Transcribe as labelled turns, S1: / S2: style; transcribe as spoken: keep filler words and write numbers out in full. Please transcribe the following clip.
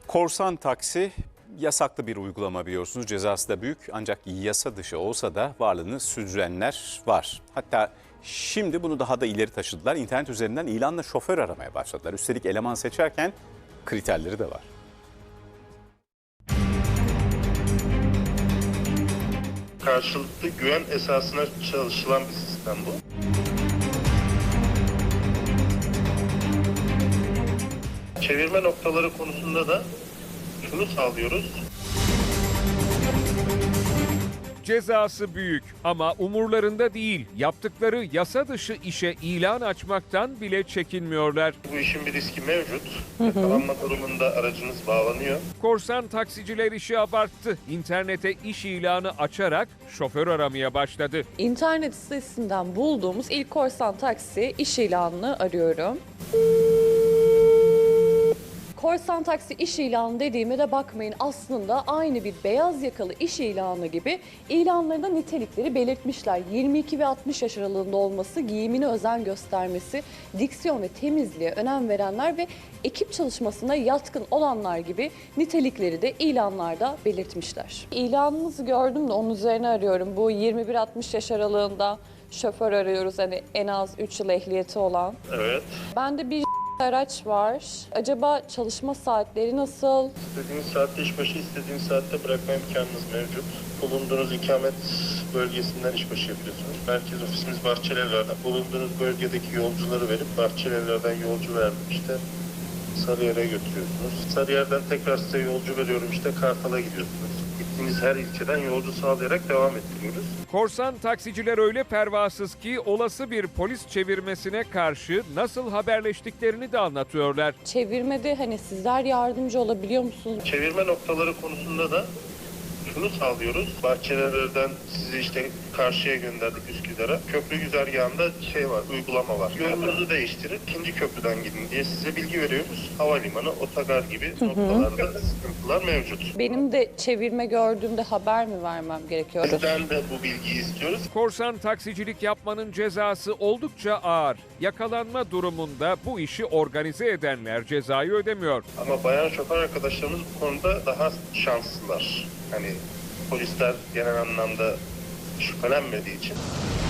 S1: Korsan taksi yasaklı bir uygulama biliyorsunuz. Cezası da büyük ancak yasa dışı olsa da varlığını sürdürenler var. Hatta şimdi bunu daha da ileri taşıdılar. İnternet üzerinden ilanla şoför aramaya başladılar. Üstelik eleman seçerken kriterleri de var.
S2: Karşılıklı güven esasına çalışılan bir sistem bu. Çevirme noktaları konusunda da şunu sağlıyoruz.
S3: Cezası büyük ama umurlarında değil. Yaptıkları yasa dışı işe ilan açmaktan bile çekinmiyorlar.
S2: Bu işin bir riski mevcut. Yakalanma durumunda aracınız bağlanıyor.
S3: Korsan taksiciler işi abarttı. İnternete iş ilanı açarak şoför aramaya başladı.
S4: İnternet sitesinden bulduğumuz ilk korsan taksi iş ilanını arıyorum. Korsan taksi iş ilanı dediğime de bakmayın, aslında aynı bir beyaz yakalı iş ilanı gibi ilanlarında nitelikleri belirtmişler. yirmi iki ve altmış yaş aralığında olması, giyimine özen göstermesi, diksiyon ve temizliğe önem verenler ve ekip çalışmasına yatkın olanlar gibi nitelikleri de ilanlarda belirtmişler. İlanınızı gördüm de onun üzerine arıyorum. Bu yirmi bir altmış yaş aralığında şoför arıyoruz, hani en az üç yıl ehliyeti olan.
S2: Evet.
S4: Bende bir araç var. Acaba çalışma saatleri nasıl?
S2: İstediğiniz saatte işbaşı, istediğiniz saatte bırakma imkanınız mevcut. Bulunduğunuz ikamet bölgesinden işbaşı yapıyorsunuz. Merkez ofisimiz Bahçelievler'den. Bulunduğunuz bölgedeki yolcuları verip Bahçelievler'den yolcu verdim işte. Sarıyer'e götürüyorsunuz. Sarıyer'den tekrar size yolcu veriyorum işte Kartal'a gidiyorsunuz. Gittiğiniz her ilçeden yolcu sağlayarak devam ettiriyoruz.
S3: Korsan taksiciler öyle pervasız ki olası bir polis çevirmesine karşı nasıl haberleştiklerini de anlatıyorlar.
S4: Çevirmede hani sizler yardımcı olabiliyor musunuz?
S2: Çevirme noktaları konusunda da şunu sağlıyoruz. Bahçelievler'den sizi işte karşıya gönderdik Üsküdar'a. Köprü güzergahında şey var, uygulama var. Yolunuzu değiştirin, ikinci köprüden gidin diye size bilgi veriyoruz. Havalimanı, otogar gibi noktalarda sıkıntılar mevcut.
S4: Benim de çevirme gördüğümde haber mi vermem gerekiyor?
S2: Bizden de bu bilgiyi istiyoruz.
S3: Korsan taksicilik yapmanın cezası oldukça ağır. Yakalanma durumunda bu işi organize edenler cezayı ödemiyor.
S2: Ama bayan şoför arkadaşlarımız bu konuda daha şanslılar. Hani polisler genel anlamda şüphelenmediği için